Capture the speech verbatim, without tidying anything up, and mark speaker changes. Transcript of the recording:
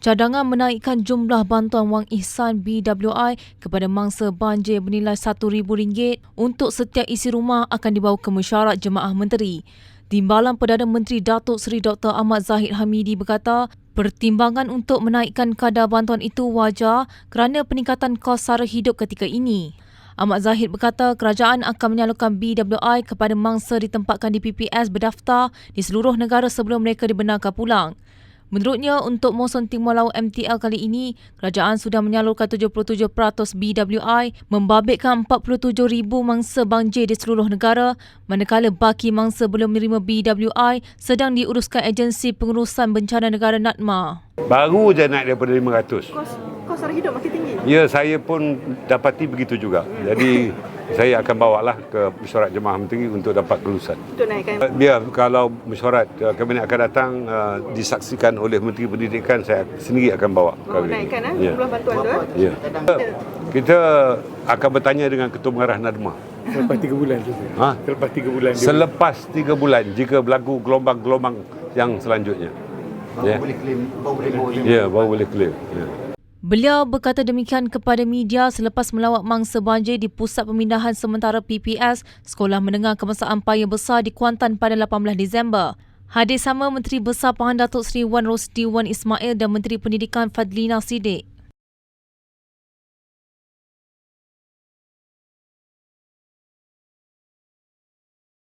Speaker 1: cadangan menaikkan jumlah bantuan wang ihsan B W I kepada mangsa banjir bernilai satu ribu ringgit untuk setiap isi rumah akan dibawa ke mesyuarat Jemaah Menteri. Timbalan Perdana Menteri Datuk Seri Doktor Ahmad Zahid Hamidi berkata, pertimbangan untuk menaikkan kadar bantuan itu wajar kerana peningkatan kos sara hidup ketika ini. Ahmad Zahid berkata kerajaan akan menyalurkan B W I kepada mangsa ditempatkan di P P S berdaftar di seluruh negara sebelum mereka dibenarkan pulang. Menurutnya, untuk musim Timur Laut M T L kali ini, kerajaan sudah menyalurkan tujuh puluh tujuh peratus B W I membabitkan empat puluh tujuh ribu mangsa banjir di seluruh negara, manakala baki mangsa belum menerima B W I sedang diuruskan Agensi Pengurusan Bencana Negara N A D M A.
Speaker 2: Baru je naik daripada lima ratus.
Speaker 3: Kos, kos sara hidup makin tinggi?
Speaker 2: Ya, saya pun dapati begitu juga. Jadi, saya akan bawa lah ke mesyuarat Jemaah Menteri untuk dapat kelulusan.
Speaker 3: Untuk naikkan?
Speaker 2: Biar kalau mesyuarat Kabinet akan datang uh, disaksikan oleh Menteri Pendidikan, saya sendiri akan bawa.
Speaker 3: Oh, naikkan eh?
Speaker 2: Ya.
Speaker 3: Jumlah bantuan tu eh?
Speaker 2: Ya. Kita akan bertanya dengan Ketua Pengarah N A D M A.
Speaker 4: Selepas tiga bulan tu.
Speaker 2: Ha?
Speaker 4: Selepas tiga bulan.
Speaker 2: Selepas tiga bulan, jika berlaku gelombang-gelombang yang selanjutnya.
Speaker 5: Baru ya. boleh claim, baru boleh bawa.
Speaker 2: Ya, baru boleh claim. Ya.
Speaker 1: Beliau berkata demikian kepada media selepas melawat mangsa banjir di Pusat Pemindahan Sementara P P S Sekolah Menengah Kebangsaan Paya Besar di Kuantan pada lapan belas Disember. Hadir sama Menteri Besar Pahan Datuk Seri Wan Rosdi Wan Ismail dan Menteri Pendidikan Fadlina Siddiq.